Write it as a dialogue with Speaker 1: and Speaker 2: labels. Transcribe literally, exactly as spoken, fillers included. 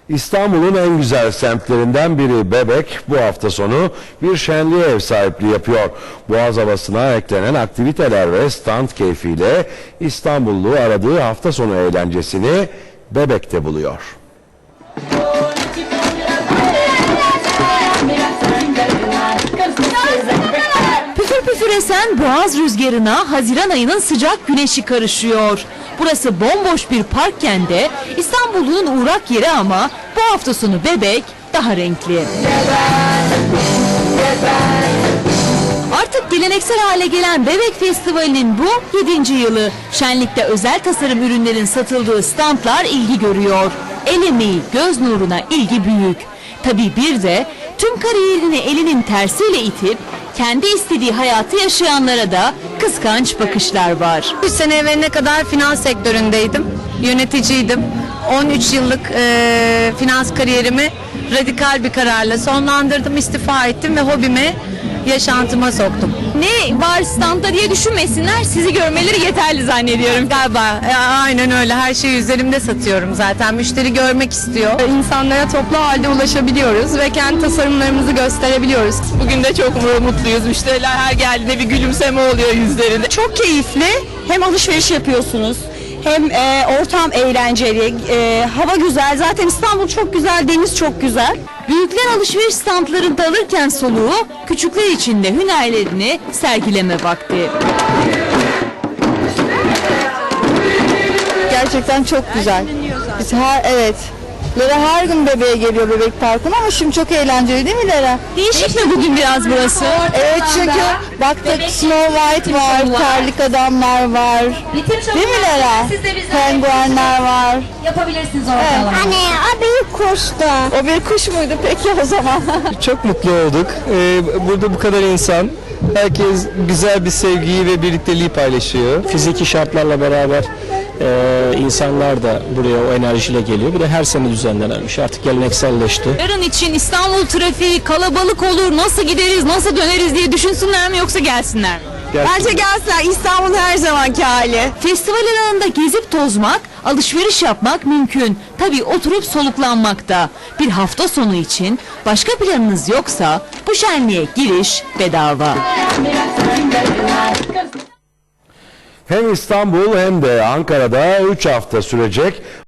Speaker 1: İstanbul'un en güzel semtlerinden biri Bebek bu hafta sonu bir şenliğe ev sahipliği yapıyor. Boğaz havasına eklenen aktiviteler ve stand keyfiyle İstanbullu aradığı hafta sonu eğlencesini Bebek'te buluyor.
Speaker 2: Püfür püfür esen boğaz rüzgarına Haziran ayının sıcak güneşi karışıyor. Burası bomboş bir parkken de İstanbul'un uğrak yeri ama bu hafta sonu Bebek daha renkli. Artık geleneksel hale gelen Bebek Festivali'nin bu yedinci yılı. Şenlikte özel tasarım ürünlerin satıldığı standlar ilgi görüyor. El emeği, göz nuruna ilgi büyük. Tabii bir de tüm kariyerini elinin tersiyle itip kendi istediği hayatı yaşayanlara da kıskanç bakışlar var.
Speaker 3: üç sene evveline kadar finans sektöründeydim, yöneticiydim. on üç yıllık e, finans kariyerimi radikal bir kararla sonlandırdım, istifa ettim ve hobime, yaşantıma soktum.
Speaker 2: Ne var standta diye düşünmesinler, sizi görmeleri yeterli zannediyorum.
Speaker 3: Galiba e, aynen öyle, her şeyi üzerimde satıyorum zaten, müşteri görmek istiyor.
Speaker 4: İnsanlara toplu halde ulaşabiliyoruz ve kendi tasarımlarımızı gösterebiliyoruz.
Speaker 5: Bugün de çok mutluyuz. Müşteriler her geldiğinde bir gülümseme oluyor yüzlerinde.
Speaker 4: Çok keyifli. Hem alışveriş yapıyorsunuz, hem e, ortam eğlenceli, e, hava güzel. Zaten İstanbul çok güzel, deniz çok güzel.
Speaker 2: Büyükler alışveriş standlarında alırken soluğu, küçükler için de hünerlerini sergileme vakti.
Speaker 6: Gerçekten çok güzel. Biz her evet. Lera her gün bebeğe geliyor Bebek Parkı'na ama şimdi çok eğlenceli değil mi Lera?
Speaker 2: Değişik mi bugün biraz burası?
Speaker 6: Evet çünkü baktık Snow White var, terlik adamlar var. Değil mi Lera? Penguenler var.
Speaker 7: Yapabilirsiniz ortalama.
Speaker 6: Anne o bir kuştu. O bir kuş muydu peki o zaman?
Speaker 8: Çok mutlu olduk. Ee, burada bu kadar insan. Herkes güzel bir sevgiyi ve birlikteliği paylaşıyor. Fiziki şartlarla beraber e, insanlar da buraya o enerjiyle geliyor. Bir de her sene düzenlenen bir şey. Artık gelenekselleşti.
Speaker 2: Yarın için İstanbul trafiği kalabalık olur, nasıl gideriz, nasıl döneriz diye düşünsünler mi yoksa gelsinler mi?
Speaker 4: Bence gelsinler. İstanbul her zamanki hali.
Speaker 2: Festival alanında gezip tozmak, alışveriş yapmak mümkün. Tabii oturup soluklanmak da. Bir hafta sonu için başka planınız yoksa bu şenliğe giriş bedava.
Speaker 1: Hem İstanbul hem de Ankara'da üç hafta sürecek